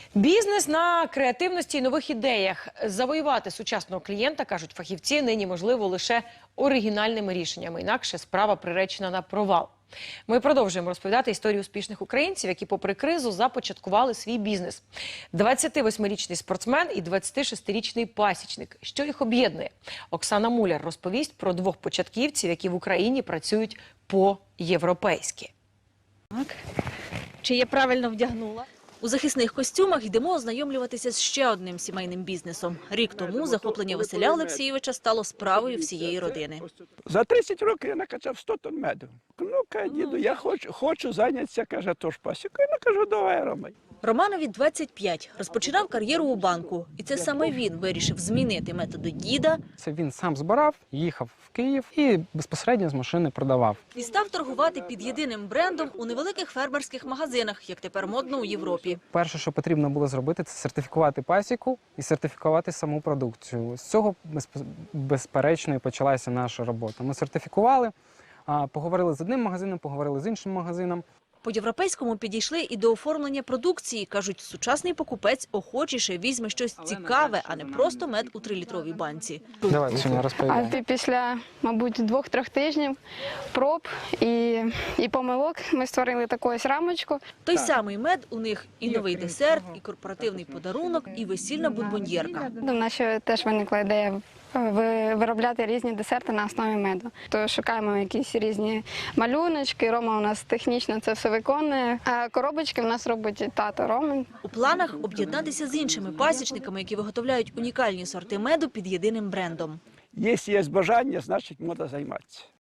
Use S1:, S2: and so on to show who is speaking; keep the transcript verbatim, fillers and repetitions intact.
S1: Бізнес на креативності і нових ідеях. Завоювати сучасного клієнта, кажуть фахівці, нині можливо лише оригінальними рішеннями. Інакше справа приречена на провал. Ми продовжуємо розповідати історію успішних українців, які попри кризу започаткували свій бізнес. двадцятивосьмирічний спортсмен і двадцятишестирічний пасічник. Що їх об'єднує? Оксана Муляр розповість про двох початківців, які в Україні працюють по-європейськи.
S2: Так. Чи я правильно вдягнула? У захисних костюмах йдемо ознайомлюватися з ще одним сімейним бізнесом. Рік тому захоплення Василя Олексійовича стало справою всієї родини.
S3: За тридцять років я накачав сто тонн меду. Ну, каже, діду, я хочу, хочу зайнятися, каже, тож пасікою. Ну, кажу, давай, Ромай.
S2: Романові двадцять п'ять. Розпочинав кар'єру у банку. І це саме він вирішив змінити методи діда.
S4: Це він сам збирав, їхав в Київ і безпосередньо з машини продавав.
S2: І став торгувати під єдиним брендом у невеликих фермерських магазинах, як тепер модно у Європі.
S4: Перше, що потрібно було зробити, це сертифікувати пасіку і сертифікувати саму продукцію. З цього, безперечно, і почалася наша робота. Ми сертифікували, поговорили з одним магазином, поговорили з іншим магазином.
S2: По-європейському підійшли і до оформлення продукції. Кажуть, сучасний покупець охочіше візьме щось цікаве, а не просто мед у трилітровій банці.
S4: Давай, Соня, розповідай.
S5: А після, мабуть, двох-трьох тижнів проб і, і помилок ми створили таку ось рамочку.
S2: Той самий мед у них і новий десерт, і корпоративний подарунок, і весільна бонбоньєрка.
S5: У нас ще теж виникла ідея ви- виробляти різні десерти на основі меду. То шукаємо якісь різні малюночки, Рома у нас технічно це все виконує. А коробочки в нас робить тато Роман.
S2: У планах об'єднатися з іншими пасічниками, які виготовляють унікальні сорти меду під єдиним брендом.
S3: Якщо є бажання, значить можна займатися.